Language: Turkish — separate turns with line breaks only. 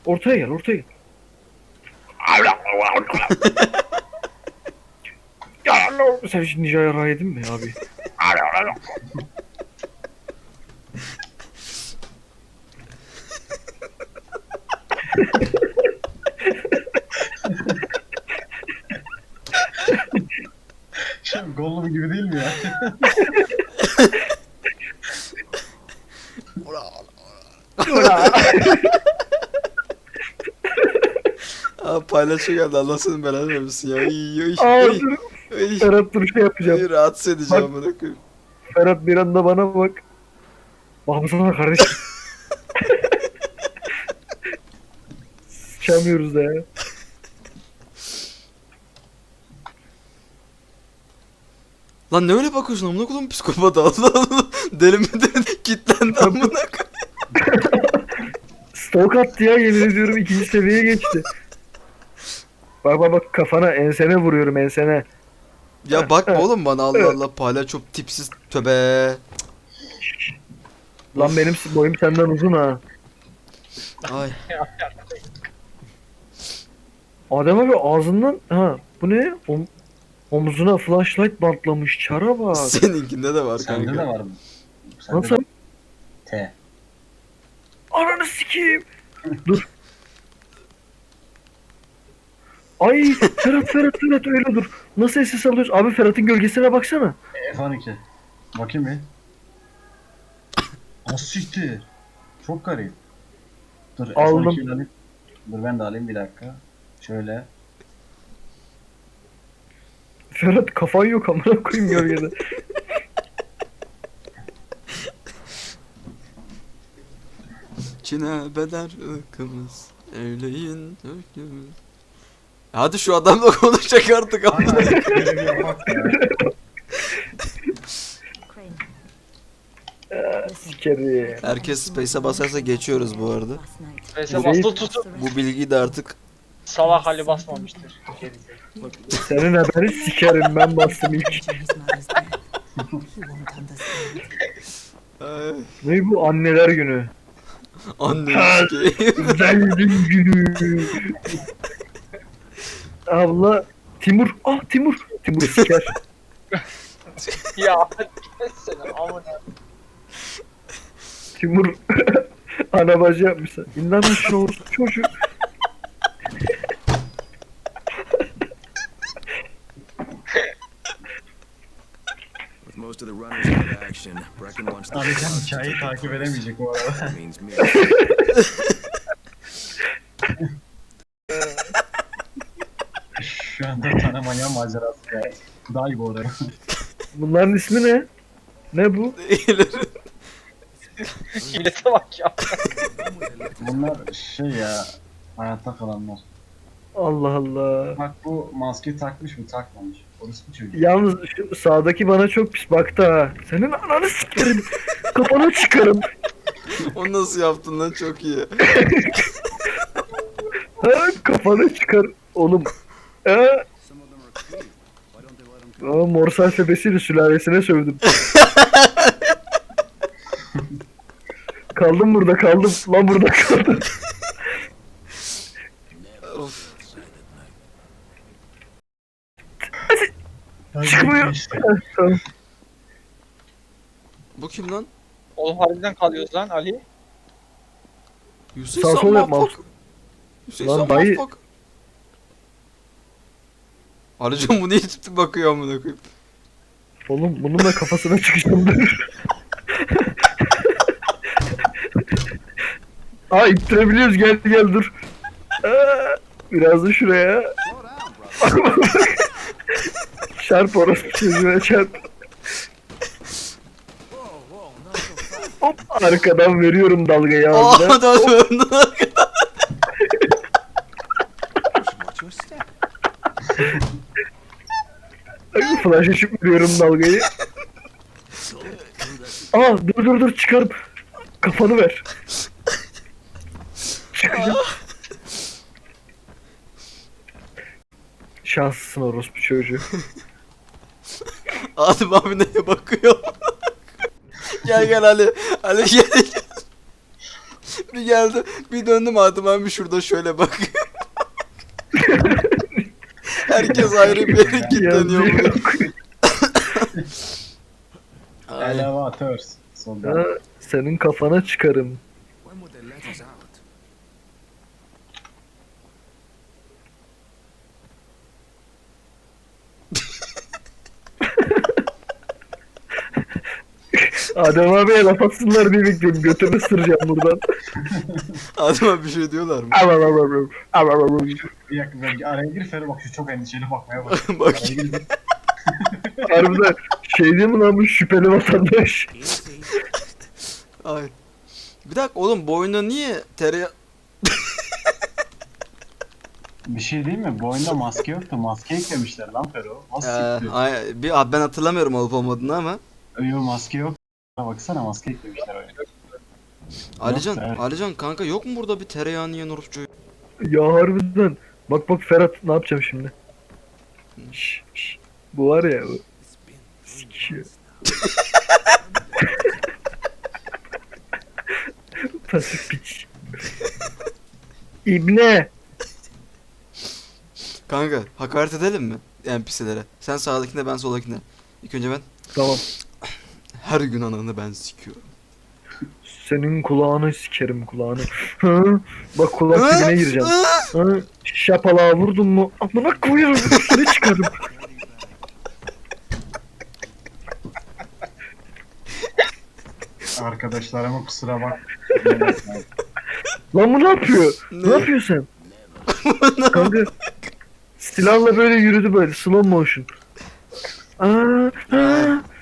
Ortaya gel, ortaya gel. Sen şimdi Ninja'ya ray yedin mi abi?
Şimdi Gollum gibi değil mi ya?
Abi paylaşıyor geldi, Allah senin belanı vermesin ya.
Aa, dur. Ferhat dur şey yapacağım.
Rahatsız edeceğim amına koyayım.
Ferhat bir anda bana bak. Bakmasana kardeşim. Sıçamıyoruz da ya.
Lan ne öyle bakıyorsun amına koyayım, psikopat, Allah Allah. Deli mi deli, kitlendi amına koyayım.
Stalk attı ya, yemin ediyorum 2. seviyeye geçti. Bak bak bak, kafana ensene vuruyorum, ensene.
Ya bakma oğlum bana, Allah Allah, palyaço tipsiz, töbe.
Lan benim boyum senden uzun ha.
Ay.
Adem abi ağzından ha, bu ne? Omzuna flashlight bantlamış, çara bak.
Seninkinde de var
Sende
kanka.
de var mı? Sende
Nasıl?
de- T.
Ananı sikeyim. Dur. Ay Ferhat öyle dur. Nasıl SS alıyoruz? Abi Ferhat'ın gölgesine baksana.
F12. Bakayım bir. Asiktir. Çok garip. Dur
Aldım.
F12'yi alayım. Dur ben de alayım bir dakika. Şöyle.
Ferhat kafan yok amına koyayım gölgede.
Çin'e bedel ırkımız, evleyin ırkımız. Hadi şu adamla konuşacak artık amına.
Aynen. Böyle bir yapak ya.
Sikeri.
Herkes space'e basarsa geçiyoruz bu arada.
Neyse
Bu
basılı tutup
Bu bilgiyi de artık
salak hali basmamıştır.
Senin haberi sikerim, ben bastım ilk.
ay,
Ne bu, anneler günü?
annem sikeyim.
Zengin günü. Abla Timur. Ah Timur. Timur siker.
Ya seni amına.
Timur ana bacı yapmışlar. İndan aşağı olsun çocuk.
With most of the runners out of action, Brecken wants the
Abi sen
crowds to
hikayeyi
take
takip
place.
edemeyecek bu arada.
That means me.
Şu anda tane manyak macerası ya. Daha iyi bu arada.
Bunların ismi ne? Ne bu?
Millete bak ya.
Bunlar şey ya. Hayatta kalanlar.
Allah Allah.
Bak bu maskeyi takmış mı takmamış. Orası bir çocuk.
Yalnız şu sağdaki bana çok pis baktı ha. Senin ananı sikerim. Kafana çıkarım.
Onu nasıl yaptın lan, çok iyi.
Ha, kafana çıkar. Oğlum. Ha? Aa, Morse alfabesiyle sülalesine sövdüm. Kaldım burada, kaldım. Lan burada kaldım.
Of.
Çıkmıyor.
İşte.
Tamam.
Bu kim lan?
Oğlum harbiden kalıyoruz lan Ali.
Hüseyin
Sağ sol yapma.
Mafak. Hüseyin
Lan
Lan
dayı-
Mafak. Arıcım bu niye ciddi bakıyor amına koyayım?
Oğlum bunun da kafasına çıkıştım dur. Aa ittirebiliyoruz, gel gel dur. Aa, biraz da şuraya. Çarp orası çocuğuna çarp. Hop arkadan veriyorum dalgayı ağzına.
Aa da döndü.
Flash açıp veriyorum dalgayı. Aa dur çıkarım. Kafanı ver. Çıkacağım. Şanslısın orospu çocuğu.
Adem abi neye bakıyor? Gel Ali. Ali gel. Bir geldi. Bir döndüm Adem abi şurada şöyle bakıyor. Herkes ayrı bir yere kilitleniyor
Yazıyor.
buraya. Ay.
Elevatör. Solda.
Ha, senin kafana çıkarım.
When would they let us out?
Adem abiye laf atsınlar diye bekliyorum. Götümü ısıracağım buradan.
Adem abi bir şey diyorlar mı?
Bir dakika ben araya gir Fero bak şu çok endişeli bakmaya bak.
Bak.
Araya gir.
Harbiden şey değil mi lan bu şüpheli vatandaş?
Ay. Bir dakika oğlum bu oyunda niye tereyağı...
Bir şey değil mi? Bu oyunda maske yoktu. Maske eklemişler lan Fero. Nasıl siktir?
Ben hatırlamıyorum olup olmadığını ama.
Yok maske yok. Baksana maske eklemişler oyuna.
Alican,
evet.
Alican kanka yok mu burada bir tereyağını yiyen orospu?
Ya harbiden. Bak bak Ferhat ne yapacağım şimdi? Şş. Bu var ya bu. Sikiyor. Pasif piç. İbne.
Kanka hakaret edelim mi NPC'lere? Sen sağdakine ben soldakine. İlk önce ben
Tamam.
her gün ananı ben sikiyorum.
Senin kulağını sikerim kulağını. Hı? Bak kulak dibine gireceğim. Hı? Şapalağa vurdun mu? Amına koyarım. Üstüne çıkarım.
Arkadaşlarıma kusura bak.
Lan bu ne yapıyor?
Ne?
Ne yapıyorsun sen? Kanka silahla böyle yürüdü böyle slow motion. Aa,